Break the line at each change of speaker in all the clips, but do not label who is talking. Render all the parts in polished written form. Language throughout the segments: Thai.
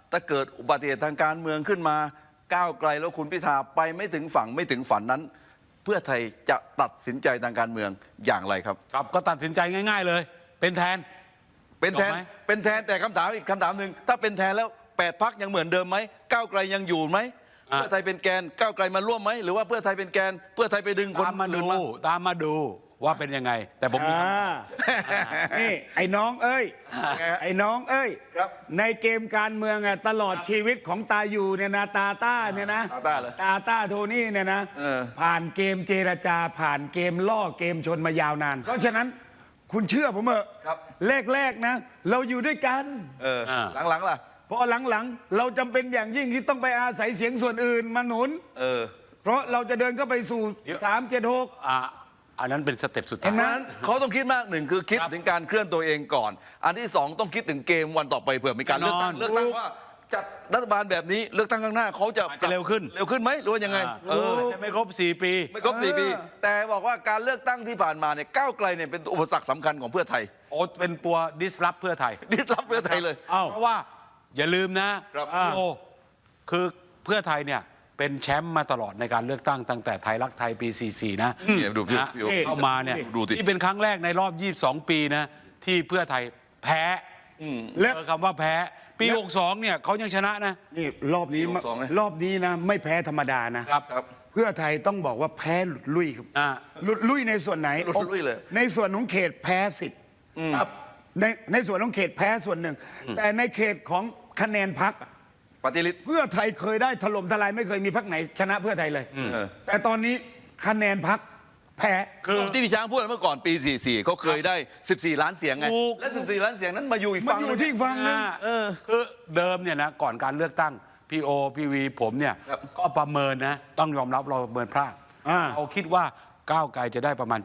ถ้าเกิดอุบัติเหตุทางการเมืองขึ้นมาก้าวไกลแล้วคุณพิธาไปไม่ถึงฝั่งไม่ถึงฝันนั้น เพื่อไทยจะตัดสินใจทางการเมืองอย่างไรครับ
ครับก็ตัดสินใจง่าย ๆเลย เป็นแทน
แต่คำถามอีกคำถามหนึ่งถ้าเป็นแทนแล้ว8 พรรคยังเหมือนเดิมไหมก้าวไกลยังอยู่ไหมเพื่อไทยเป็นแกนก้าวไกลมาร่วมไหมหรือว่าเพื่อไทยเป็นแกนเพื่อไทยไปดึงคนอื่นมา
ตามมาดูว่าเป็นยังไง แต่ผมมีคำ
นี่ไอ้น้องเอ้ยไอ้น้องเอ้ยในเกมการเมืองตลอดชีวิตของตาอยู่เนี่ยนะตาต้าเนี่ยนะตาต้าโทนี่เนี่ยนะผ่านเกมเจรจาผ่านเกมล่อเกมชนมายาวนานเพราะฉะนั้นคุณเชื่อผมเถอะแรกๆนะเราอยู่ด้วยกัน
หลังๆล่ะ
พอหลังๆเราจำเป็นอย่างยิ่งที่ต้องไปอาศัยเสียงส่วนอื่นมาหนุนเพราะเราจะเดินเข้าไปสู่376
อันนั้นเป็นสเต็ปสุดท้าย
นั้นเขาต้องคิดมากหนึ่งคือคิดถึงการเคลื่อนตัวเองก่อนอันที่สองต้องคิดถึงเกมวันต่อไปเผื่อมีการเลือกตั้งว่าจัดรัฐบาลแบบนี้เลือกตั้งข้างหน้าเขาจะ
เร็วขึ้น
ไหมหรือว่ายังไง
จะไม่ครบ4 ปี
ไม่ครบ4 ปีแต่บอกว่าการเลือกตั้งที่ผ่านมาเนี่ยก้าวไกลเนี่ยเป็นอุปสรรคสำคัญของเพื่อไทย
เป็นตัวดิสรับเพื่อไทย
เลย
เพราะว่าอย่าลืมนะคือเพื่อไทยเนี่ยเป็นแชมป์มาตลอดในการเลือกตั้งตั้งแต่ไทยรักไทยปี44นะเข้ามาเนี่ยที่เป็นครั้งแรกในรอบ22 ปีนะที่เพื่อไทยแพ้และคำว่าแพ้ปี62เนี่ยเขายังชนะนะ
นี่รอบนี้นะไม่แพ้ธรรมดานะครับเพื่อไทยต้องบอกว่าแพ้หลุดลุ่ยครับหลุดลุ่ยในส่วนไหน
หลุดลุ่ยเลย
ในส่วนของเขตแพ้10ครับในส่วนของเขตแพ้ส่วนหนึ่งแต่ในเขตของคะแนนพรรค
ปฏิริษี
เพื่อไทยเคยได้ถล่มทลายไม่เคยมีพรรคไหนชนะเพื่อไทยเลยแต่ตอนนี้คะแนนพรรคแพ้
คือที่พี่ช้างพูดเมื่อก่อนปี44เขาเคยได้14 ล้านเสียงไงและ14 ล้านเสียงนั้นมาอยู่อีกฝั่ง
อยู่ที่ฝั่งนึง
คือเดิมเนี่ยนะก่อนการเลือกตั้งพี่โอพี่วีผมเนี่ยก็ประเมินนะต้องยอมรับเราประเมินพลาดเราคิดว่าก้าวไกลจะได้ประมาณ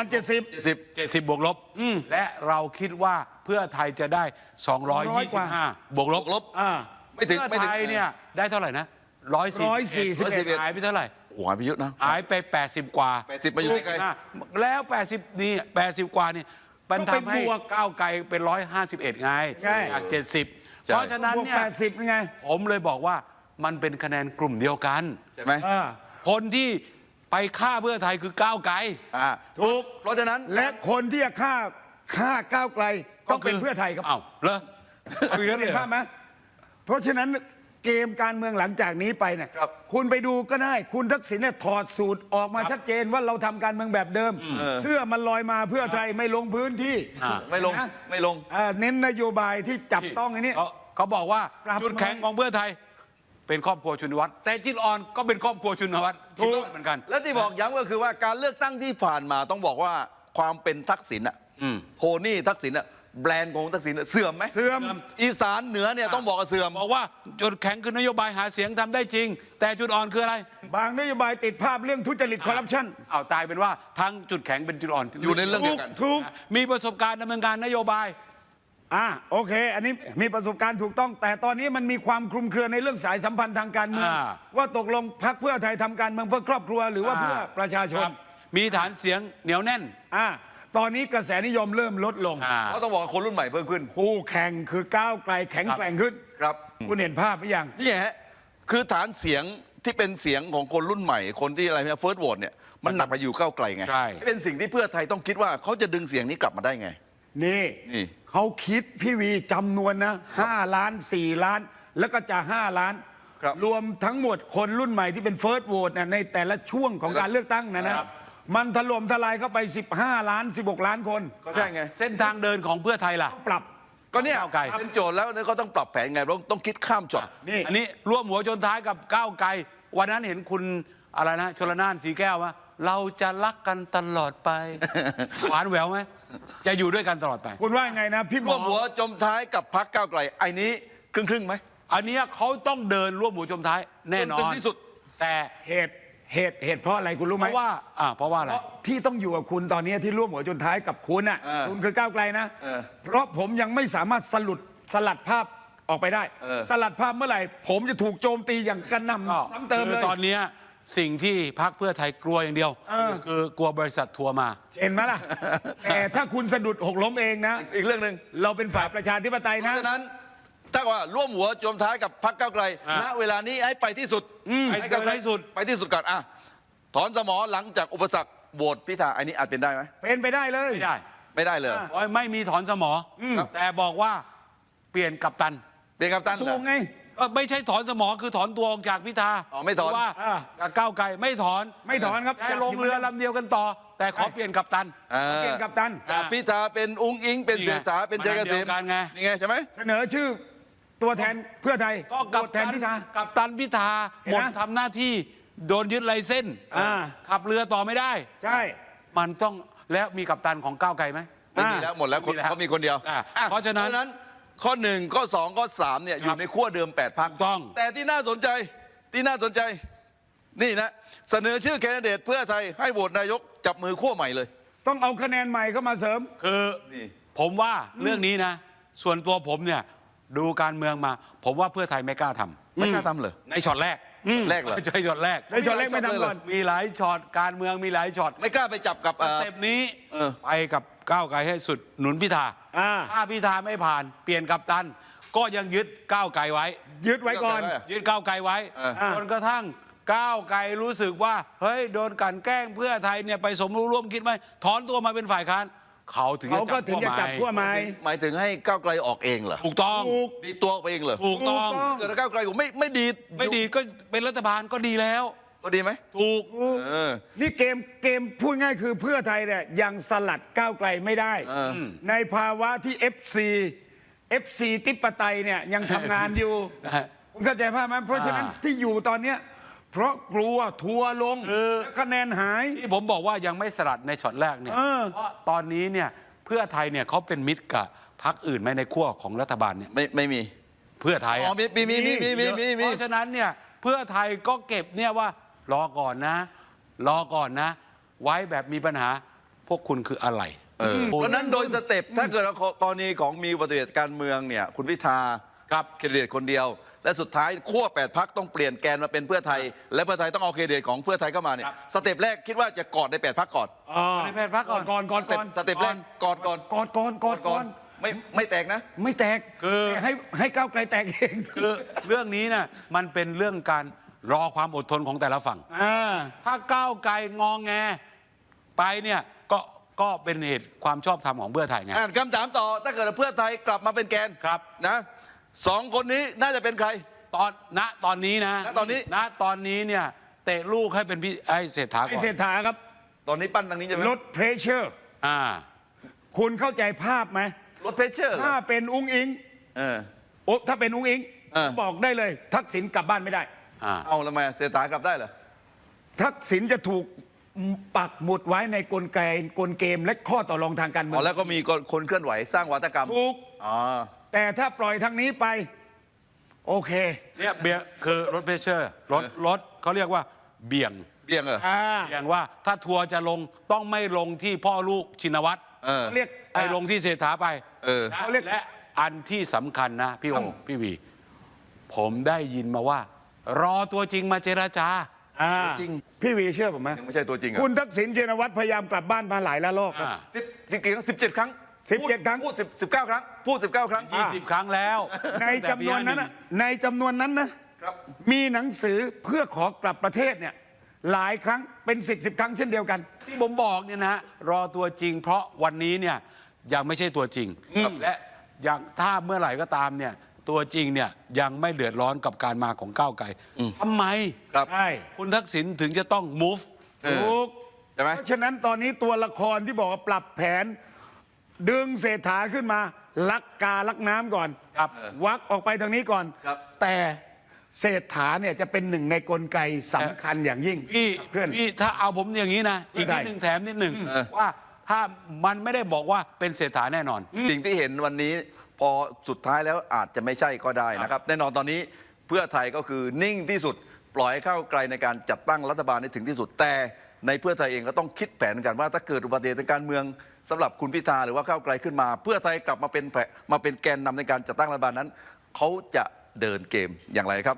70บวกลบและเราคิดว่าเพื่อไทยจะได้225บวกลบ
ไม่ถึง
ไทยเนี่ยได้เท่าไหร่นะ141หายไปเท่าไหร่
หายไปเยอะนะ
หายไป80 กว่า
80มาอยู่ที่ใคร
แล้ว80นี่80 กว่านี่มันทำให้ก้าวไกลเป็น151ไงจาก70เพราะฉะนั้นเนี่ย
80ไง
ผมเลยบอกว่ามันเป็นคะแนนกลุ่มเดียวกัน
ใช่ไหม
คนที่ไปฆ่าเพื่อไทยคือก้าวไกล
ถูก
เพราะฉะนั้น
และคนที่จะฆ่าก้าวไกลต้องเป็นเพื่อไทยครับ
เหรอ
คือเห็นภาพไหมเพราะฉะนั้นเกมการเมืองหลังจากนี้ไปเนี่ยคุณไปดูก็ได้คุณทักษิณเนี่ยถอดสูตรออกมาชัดเจนว่าเราทำการเมืองแบบเดิมเสื้อมันลอยมาเพื่อไทยไม่ลงพื้นที่
ไม่ลง
เน้นนโยบายที่จับต้องอันนี้
เขาบอกว่าจุดแข็งของเพื่อไทยเป็นครอบครัวชุนวัตรแต่จุดอ่อนก็เป็นครอบครัวชุนวัตร
ถูกเหมือนกันและที่บอกย้ำก็คือว่าการเลือกตั้งที่ผ่านมาต้องบอกว่าความเป็นทักษิณโทนี่ทักษิณแบรนด์ของทักษิณเสื่อมไหม
เสื่อม
อีสานเหนือเนี่ยต้องบอกว่าเสื่อม
บอกว่าจุดแข็งคือนโยบายหาเสียงทำได้จริงแต่จุดอ่อนคืออะไร
บางนโยบายติดภาพเรื่องทุจริตคอร์รัปชัน
ตายเป็นว่าทั้งจุดแข็งเป็นจุดอ่อน
อยู่ในเรื่องเดียวกัน
ถูก
มีประสบการณ์ดำเนินการนโยบาย
โอเคอันนี้มีประสบการณ์ถูกต้องแต่ตอนนี้มันมีความคลุมเครือในเรื่องสายสัมพันธ์ทางการเมืองว่าตกลงพรรคเพื่อไทยทำการเมืองเพื่อครอบครัวหรือว่าเพื่อประชาชน
มีฐานเสียงเหนียวแน่น
ตอนนี้กระแสนิยมเริ่มลดลง
ก็ต้องบอกคนรุ่นใหม่เพิ่มขึ้น
คู่แข่งคือก้าวไกลแข็งแกร่งขึ้น
ครับ
คุณเห็นภาพหรือยัง
นี่ฮะคือฐานเสียงที่เป็นเสียงของคนรุ่นใหม่คนที่อะไรเนี่ยเฟิร์สโหวตเนี่ยมันหนักไปอยู่ก้าวไกลไงเป็นสิ่งที่เพื่อไทยต้องคิดว่าเขาจะดึงเสียงนี้กลับมาได้ไง
นี่เขาคิดพี่วีจำนวนนะ5 ล้าน4 ล้านแล้วก็จะ5 ล้านรวมทั้งหมดคนรุ่นใหม่ที่เป็นเฟิร์สโหวตในแต่ละช่วงของการเลือกตั้งนะมันถล่มทลายเข้าไป15 ล้าน16 ล้านคน
ก็ใช่ไง
เส้นทางเดินของเพื่อไทยล่ะ
ปรับ
ก็เนี่ยเป็นโจทย์แล้วเขาต้องปรับแผนไงต้องคิดข้ามจอด
อันนี้ร่วมหัวชนท้ายกับก้าวไกลวันนั้นเห็นคุณอะไรนะชลน่านสีแก้วว่าเราจะรักกันตลอดไปหวานแหววไหมจะอยู่ด้วยกันตลอดไป
คุณว่าไงนะพี่
ร่วมหัวจมท้ายกับพรรคก้าวไกลไอ้นี้ครึ่งไหม
อันนี้เขาต้องเดินร่วมหัวจมท้ายแน่นอน
ที่สุด
แต่เหตุเพราะอะไรคุณรู้ไหม
เพราะว่าอะไร
ที่ต้องอยู่กับคุณตอนนี้ที่ร่วมหัวจนท้ายกับคุณคุณคือก้าวไกลนะเพราะผมยังไม่สามารถสลัดภาพออกไปได้สลัดภาพเมื่อไหร่ผมจะถูกโจมตีอย่างกระหน่ำซ้ำเติมเลย
ตอนนี้สิ่งที่พรรคเพื่อไทยกลัวอย่างเดียวคือกลัวบริษัททัวร์มา
เห็นไหมล่ะแต่ถ้าคุณสะดุดหกล้มเองนะ
อีกเรื่องหนึ่ง
เราเป็นฝ่ายประชาธิปไตยนะ
เพราะฉะนั้นถ้าว่าร่วมหัวโจมท้ายกับพรรคก้าวไกล
อ่ะ
ณเวลานี้ให้ไปที่สุด
ให้เกินที่สุด
ไปที่สุดก่อนอ่ะถอนสมอหลังจากอุปสรรคโหวตพิธาอันนี้อาจเป็นได้ไหม
เป็นไปได้เลย
ไม่ได้
ไม่ได้เลย
โอ้ยไม่มีถอนสมออแต่บอกว่าเปลี่ยนกัปตัน
เป็นกัปตันเหร
ถู
อก
ไง
ไม่ใช่ถอนสมอคือถอนตัวออกจากพิธา
อ๋อไม่ถอน
หรืว่า
อ่า
กับก้าวไกลไม่ถอน
ไม่ถอนครับ
ให้ลงเรือลำเดียวกันต่อ แต่ขอเปลี่ยนกัปตัน
เปลี่ยนกัปตัน
จากพิธาเป็นอุ้งอิงเป็น
นี่ไง
เศรษฐาเป็นชัยเกษม
มันอันเดียวกันไง
นี่ไงใช่ไหม
เสนอชื่อตัวแทนเพื่อไทย
ก็กัป
แท
ตั
น
น
พิธา
กัปตันพิธา
เห็น
หม
ไหม
ดทำหน้าที่โดนยึดไลเส้นส์
อ่า
ขับเรือต่อไม่ได้
ใช่
มันต้องแล้วมีกัปตันของก้าวไกลไหม
ไม่มีแล้วหมดแล้ว
ไม่มีแล้ว
เขามีคนเดียว
อ่ะ
อ่ะ
เพราะฉะนั้น
ข้อ 1 ข้อ 2 ข้อ 3เนี่ยอยู่ในขั้วเดิม8พรรค
ถูกต้อง
แต่ที่น่าสนใจนี่นะเสนอชื่อแคนดิเดตเพื่อไทยให้โหวตนายกจับมือขั้วใหม่เลย
ต้องเอาคะแนนใหม่เข้ามาเสริม
คือ
นี่
ผมว่าเรื่องนี้นะ ส่วนตัวผมเนี่ยดูการเมืองมา ผมว่าเพื่อไทยไม่กล้าทำ
ไม่กล้าทำเลย
ในช็อตแรก
แรกเหรอ
ไม่ใช่ช็อตแรก
ในช็อตแรกไม่ทำก่อน
มีหลายช็อตการเมืองมีหลายช็อต
ไม่กล้าไปจับกับ
สเต็ปนี้
เออ
ไปกับก้าวไกลให้สุดหนุนพิธา
อ่า
ถ้าพิธาไม่ผ่านเปลี่ยนกัปตัน ก็ยังยึดก้าวไกลไว้
ยึดไว้ก่อน
ยึดก้าวไกลไว้
อ่า
จนกระทั่งก้าวไกลรู้สึกว่าเฮ้ยโดนกลั่นแกล้งเพื่อไทยเนี่ยไปสมรู้ร่วมคิดไหมถอนตัวมาเป็นฝ่ายค้านเขาถึง
เขาก็
จะ
ถึงจะจับขั้ว
ให
ไม้
หมายถึงให้ก้าวไกลออกเองเหรอ
ถูกต้อง
ถูก
ดีตัวออกไปเองเหรอ
ถูกต้อง
ถูกต้อง
เกิดถ้าก้าวไกลผมไม่ดี
ไม่ดีก็เป็นรัฐบาลก็ดีแล้ว
ก็ดีไหม
ถูก
เออ
นี่เกมพูดง่ายคือเพื่อไทยเนี่ยยังสลัดก้าวไกลไม่ได้ ในภาวะที่ FC ติปไตยเนี่ยยังทำงานอยู่ คุณเข้าใจภาพไหมเพราะฉะนั้นที่อยู่ตอนเนี้ยเพราะกลัวทัวร์ลงและคะแนนหาย
ที่ผมบอกว่ายังไม่สลัดในช็อตแรกเนี่ย
เออ
เพราะตอนนี้เนี่ยเพื่อไทยเนี่ยเขาเป็นมิตรกับพรรคอื่นไหมในขั้วของรัฐบาลเนี่ย
ไม่มี
เพื่อไทย
อ๋อ
อะ
มี
เพราะฉะนั้นเนี่ยเพื่อไทยก็เก็บเนี่ยว่ารอก่อนนะ รอก่อนนะ ไว้แบบมีปัญหาพวกคุณคืออะไร
เพราะฉะนั้นโดยสเต็ปถ้าเกิดกรณีของมีอุบัติเหตุการเมืองเนี่ยคุณพิธา
ครับ
เครดิตคนเดียว และสุดท้ายขั้ว8พรรคต้องเปลี่ยนแกนมาเป็นเพื่อไทย และเพื่อไทยต้องเอาเครดิตของเพื่อไทยเข้ามาเนี่ย
ครับ
สเต็ปแรกคิดว่าจะกอดใน8พรรคก่อน
ในแพทย์พักก่อน
ก่อน
สเต็ปแรกกอดก่อน
ก่อน
ไม่แตกนะ
ไม่แตก
คือ
แต่ให้ก้าวไกลแตกเอง
คือเรื่องนี้น่ะมันเป็นเรื่องการรอความอดทนของแต่ละฝั่ง ถ้าก้าวไกลงองแงไปเนี่ยก็เป็นเหตุความชอบธรรมของเพื่อไทยไง
อ่านคำถามต่อถ้าเกิดเพื่อไทยกลับมาเป็นแกน
ครับ
นะสองคนนี้น่าจะเป็นใคร
ตอนนี้นะ
ณตอนนี้
ณตอนนี้เนี่ยเตะลูกให้เป็นพี่ไอ้เศรษฐา
ไอ
ก่อน
เศรษฐาครับ
ตอนนี้ปั้นทางนี้ใช่ไหม
ลดเพรสเชอร์
อ่า
คุณเข้าใจภาพไหม
ลดเพชเชอร์เหร
ถ้า
อ
เป็นอุ้งอิง
เออ
โอ้ถ้าเป็นอุ้งอิง
เออ
บอกได้เลย ทักษิณกลับบ้านไม่ได้
เอาแล้วทำไมเศรษฐากลับได้เหรอ
ทักษิณจะถูกปักหมุดไว้ในกลเกมและข้อต่อรองทางการเมื
อ๋
อ
อง แล้วก็มีคนเคลื่อนไหวสร้างวัฒกรรม
ถูก
อ๋อ
แต่ถ้าปล่อยทางนี้ไป โอเค
เนี่ยเบียร์คือรถเพชเชอร์รถเขาเรียกว่าเบี่ยง
เบี่ยงเหรอ
เบี่ยงว่าถ้าทัวร์จะลงต้องไม่ลงที่พ่อลูกชินวัตร
เออ
เรียก
ไปลงที่เศรษฐาไป
เออ
เขาเรียก
และอันที่สำคัญนะพี่โอพี่วี ผมได้ยินมาว่า รอตัวจริงมาเจราจา
จริง
พี่วีเชื่อผมไหม
ยังไม่ใช่ตัวจริงเหรอ
คุณทักษิณชินวัตรพยายามกลับบ้านมาหลายละลอกครับ
17 ครั้ง
17 ครั้ง
พูด19 ครั้ง พูด 19 ครั้ง
20 ครั้งแล้ว
ในจำนวนนั้นน่ะในจำนวนนั้นนะครับ มีหนังสือเพื่อขอกลับประเทศเนี่ยหลายครั้งเป็น10 ครั้งเช่นเดียวกัน
ที่ผมบอกเนี่ยนะรอตัวจริง เพราะวันนี้เนี่ยยังไม่ใช่ตัวจริงและอย่างถ้าเมื่อไหร่ก็ตามเนี่ยตัวจริงเนี่ยยังไม่เดือดร้อนกับการมาของก้าวไกลทำไม
ครับ
ใช่
คุณทักษิณถึงจะต้อง move
ถูก
ใช่ไหม
เพราะฉะนั้นตอนนี้ตัวละครที่บอกว่าปรับแผน ดึงเศรษฐาขึ้นมาลักกาลักน้ำก่อน
ครับ
วักออกไปทางนี้ก่อน
ครับ
แต่เศรษฐาเนี่ยจะเป็นหนึ่งในกลไกสำคัญอย่างยิ่ง
พี่
เพื่อน
พี่ถ้าเอาผมอย่างนี้นะ อีกนิด
ได้
หนึ่งแถมนิดหนึ่งว่าถ้ามันไม่ได้บอกว่าเป็นเศรษฐาแน่นอน
สิ่งที่เห็นวันนี้พอสุดท้ายแล้วอาจจะไม่ใช่ก็ได้นะครับ แน่นอนตอนนี้เพื่อไทยก็คือนิ่งที่สุด ปล่อยให้เข้าไกลในการจัดตั้งรัฐบาลให้ถึงที่สุด แต่ในเพื่อไทยเองก็ต้องคิดแผนกันว่าถ้าเกิดอุบัติเหตุทางการเมืองสำหรับคุณพิธาหรือว่าก้าวไกลขึ้นมา เพื่อไทยกลับมาเป็นแกนนำในการจัดตั้งรัฐบาลนั้นเขาจะเดินเกมอย่างไรครับ